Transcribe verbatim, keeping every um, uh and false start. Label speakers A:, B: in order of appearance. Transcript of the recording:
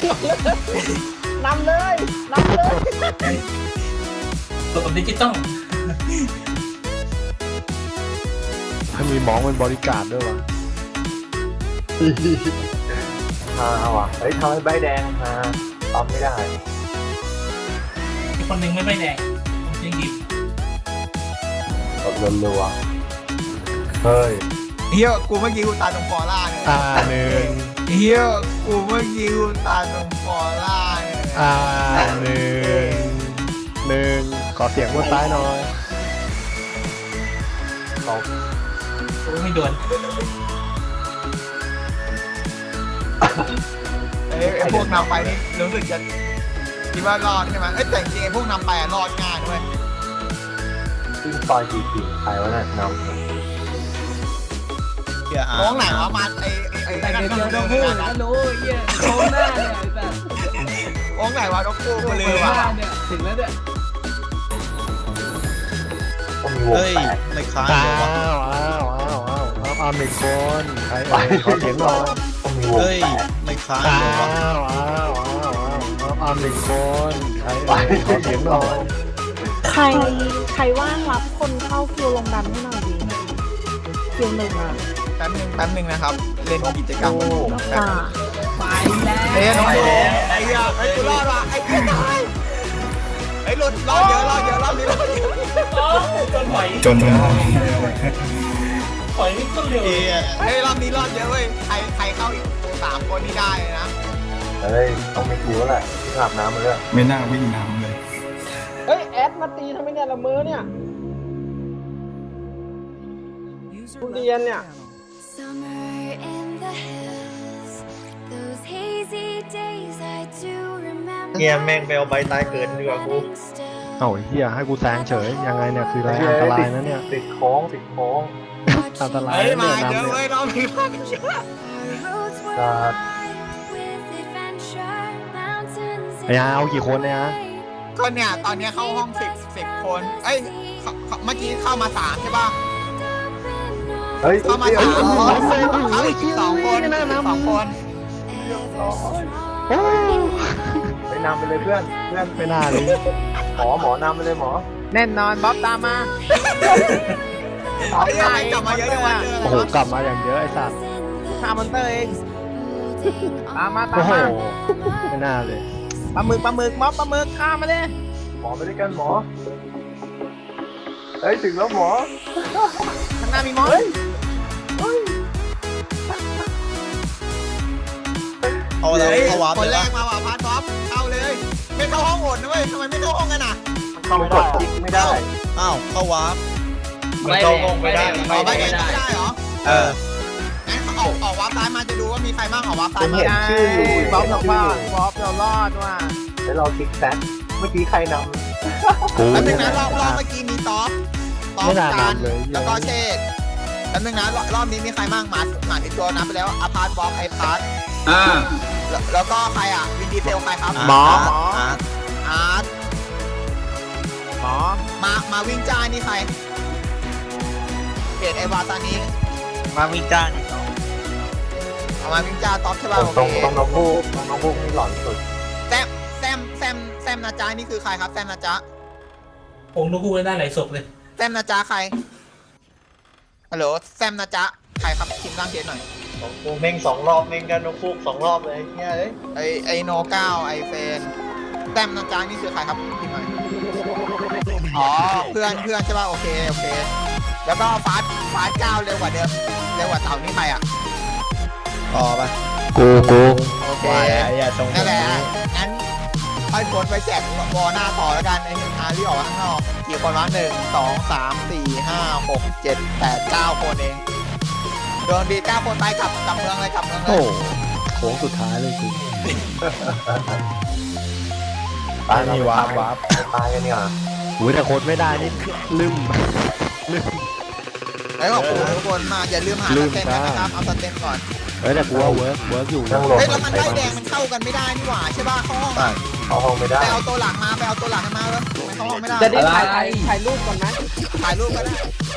A: นำเลยนำเลย
B: ตัวกับดิจิตอล
C: ถ้ามีหมองเป็นบริการด้วยวะ
D: มาว่ะเฮ้ยทำให้ใบแดงมาตอบไม่ได้
B: อีกคนหนึ่งไม่ไม่แดงผมจริงดิบ
D: ตบรัวๆเฮ้ย
A: เฮียกูเมื่อกี้กูตายตรงฟอร่าเนี่ย
C: อ่าหนึ่ง
A: เฮียกูเมื่อกี้กูตายตรงฟอร่าเนี่ย
C: อ่าหนึ่งหนึ่งขอเสียงบนซ้ายหน่อย
D: ตบ
B: โอ้ไม่โดน
A: เอ้ยไอ้พวกนำไปนี่รู้สึกจะคิดว่ารอดใช่ไหมเอ้ยแต่จริงๆไอ้พวกนำไปอะรอดง่ายด้วย
D: ขึ้นซอยสี่สี่ใครวะน่ะนำ
A: น้องไหนวะมาไอ้ไอ้ไอ้
E: แต่
A: นั่น
E: เดี๋ยว
A: ก็
E: เดี๋ยว
A: เดิ
E: เรา
A: น
E: พู
A: ไป
E: ด
A: นะ
E: ก็รู้เหี้ยโชว์หน้าเนี่ยแบบ
A: น้องไหนวะน้องกู
E: โช
A: กู
E: ว์
A: ลื
E: ห
A: มว่ะ
E: น้าเนี่ยถึงแล้วเนี่ย
D: ต้องมีวง
F: เฮ้ย
D: แตก
F: ไม่ค้าง
C: อ้า
F: เลยวะ
C: วอ้าวอ้าวอ้าวอ้าวเอาหนึ่งคนใครเอ่ยขอเสียงหน่อย
D: ต้องมีวง
F: เฮ้ย
D: แตก
F: ไม่ค้าง
C: อ้า
F: เลยวะ
C: วอ้าวอ้าวอ้าวเอาเอาหนึ่งคนใครเอ่ยขอเสียงหน่อย
G: ใครใครว่างรับคนเข้าคิวลงดันให้หน่อยดิคิวหนึ่งอ่ะ
A: แป๊บนึงแป๊บนึงนะครับเล่นกิจกรรม
G: อ่า
E: ไปแล้ว
A: เฮ้ยน้องกูไอ้เหี้ยไอ้กูรอดว่ะไอ้เหี้ยตายไอ้หลุดรอดเยอะรอดเยอะรอบนี้รอดเยอะ
B: จนไหว
H: จนได้
B: ปล่อยนี่ต้นเร็ว
F: เอ้ย
A: เฮ้ยรอบนี้รอดเยอะเว้ยใครใครเข้าอีกสามคนนี่ได้เลยนะ
D: เฮ้ยต้องมีกูแล้วแหละที่อาบน้ำมาเลย
H: ไม่น่าวิ่งน้ำเลย
A: เฮ้ยแอดมาตีทำไมเนี่ยละมือเนี่ยทุเรียนเนี่ย
I: Summer in the hills, those hazy days I do remember.
F: เงี้ยแม่งไปเอาใบตายเกิดดีกว่ากู
C: เอ้าไอ้เฮียให้กูแซงเฉยยังไงเนี่ยคืออะไรอันตรายนะเนี่ย
D: ติดโค้งติดโค้ง
C: อันตราย
A: เฮ้ย
C: นะ
A: มา
C: เนี่ย
A: เยอะ
C: นำ
A: เว้
C: เนี่ย
A: ยรอบนี้รอบนี้เยอะ
D: ครับ
C: ไอ้อาเอากี่คนเนี่ยฮะ
A: ก็เนี่ยตอนนี้เข้าห้องสิบสิบคนเอ้ยเขาเขาเมื่อกี้เข้ามาสามใช่ป่ะ
D: เฮ้ย
A: เข้ามา
D: เฮ้
A: สาย ม
D: เฮ้ย
A: เข้าอีกสองคนสองคน
C: โอ้
D: ไปนำไปเลยเพื่อนเพื่อน
C: ไม่น่าเลย
D: หมอหมอนำไปเลยหมอ
A: แน่นอนบ๊อบตามมาไอ้ยังไงกลับมาเยอะจังวะ
C: โอ้โหกลับมาอย่างเยอะไอ้สัตว์
A: ตามมอนเตอร์เองตามมาตา
C: โอ้
A: ม
C: โห
A: มา
C: ไม่น่าเลย
A: ปลาหมึกปลาหมึกม็อบปลาหมึกข้ามมาเลย
D: หมอไปด้วยกันหมอเฮ้ยถึงแล้วหมอ
A: ข้างหน้ามีม็อบ
F: เอาแล้ว
A: เฮ้ย
F: เอาวาร์ป
A: คน
F: เล
A: แร
F: ย
A: กมาว่ะพาร์ทบ๊อบเข้าเลย ไม่เข้าห้องโหดนะเว้ยทำไมไม่เข้าห้องกันอ่ะ
D: เข้าไม่ได้คลิกไม่ได้
F: อ้าวเข้าวาร์ป
B: มันเข้าห้องไม่ได้
A: ออกไปไหนไม่ได้เหรอ
F: เออ
A: งั้นเขาออกออกวาร์ปซ้ายมาจะดูว่ามีใครบ้างออกวาร์ปซ้า
D: ผ
A: ย
D: ม
A: มา
D: เห็นชื่ออยู่
A: บ๊อบ
D: เห็น
A: เรา
D: ชื่อ
A: ว่า
D: อยู่
A: บ๊อบเรารอดว่ะ
D: แล้วเราคลิกแซดเมื่อกี้ใครน
C: กู
A: แล้วนึ
C: เนี่
A: ง
C: ย
A: นะรอบรอบเมื่อกี้มีท็อปท็อป
C: ไม่น่า
A: กัน
C: นำเลย
A: แล้วก็เชษแล้วนึงนะรอบรอบนี้มีใครบ้างมาหมาติดตัวนับไปแล้วอาพาร์ตบ๊อบไอพาร์ต
B: อ่า
A: แล้วแล้วก็ใครอ่ะวินดีเซลใครครับ
F: หมอ
A: หมอ
F: อาร์ต
A: อาร์ตหมอมามาวิ่งจ้านี่ใครเกตไอวาตานี้
F: มาวิ่งจ้างอีกเนาะ
A: เอามาวิ่งจ้าท็อปใช่
D: ำ
A: ป่ะ
D: ตรง
A: โอ
D: ตรง
A: เค
D: ตรงน้องพูกตรงน้องพูกนี่หลอนสุด
A: แซมแซมแซมแซมนาจานี่คือใครครับแซมนาจา
B: ผมดูกูได้หลายศพเลย
A: แซมนาจาใครฮัลโหลแซมนาจาใครครับทีมร่างเกตหน่อย
F: ของกูเม่งสองรอบเม่งกันน้องฟูกสองรอบเลยเฮียเอ้ย
A: ไอไอโนเก้าไอเฟนแซมนาจานี่คือใครครับทีมหน่อยอ๋อเพื่อนเพื่อนใช่ป่ะโอเคโอเค แล้วก็ฟาสฟาสเก้าเร็วกว่าเดิมเร็วกว่าเต่านี่ใครอ่ะ
F: ต่อไป
C: กูกู
A: โอเค
F: ว่าไอ้เหี้ยทรงผ
A: นั่
F: ม
A: นแหละ
F: นี้
A: งั้นค่อยโพสต์ไปแจกวอหน้าต่อแล้วกันไอ้หนึ่งอาที่ออกมาข้างนอกกี่คนวะหนึ่งสองสามสี่ห้าหกเจ็ดแปดเก้าคนเองโดนบีเก้าคนไปกลับกลับเมืองเลยกลับเมืองเล
C: โอ้
A: ย
C: โหโค้งสุดท้ายเลยกู
D: ตายเรา
F: นี่
D: ไป
F: วาร์ป
D: ทำ
F: วาร์ป
D: ตายกันเนี่ย
C: อุ้ยแต่โค้ดไม่ได้นี่ลืมลืม
A: แล้วขอบคุณทุกคนมากอย่าลืมหา
C: ลื
A: ส
C: ม
A: เต็ม
C: จ้า
A: นะครับเอาสเต็มก่อน
C: เฮ้ยแต่กูว่าเวิร์กเวิร์กอยู่
D: นั่
C: นะ
D: งลง
A: เฮ้ยแล้วมันได้แดงมันเข้ากันไม่ได้นี่หว่าใช่ป่ะเข้าห้อง
D: เข้าห้องไม่ได้
A: ไปเอาตัวหลังมาไปเอาตัวหลังมาเลยไม่เข้าห้องไม่ได้
E: จะได้ถ่ายถ่ายรูปก่อนไหม
A: ถ่ายรูปก็ได้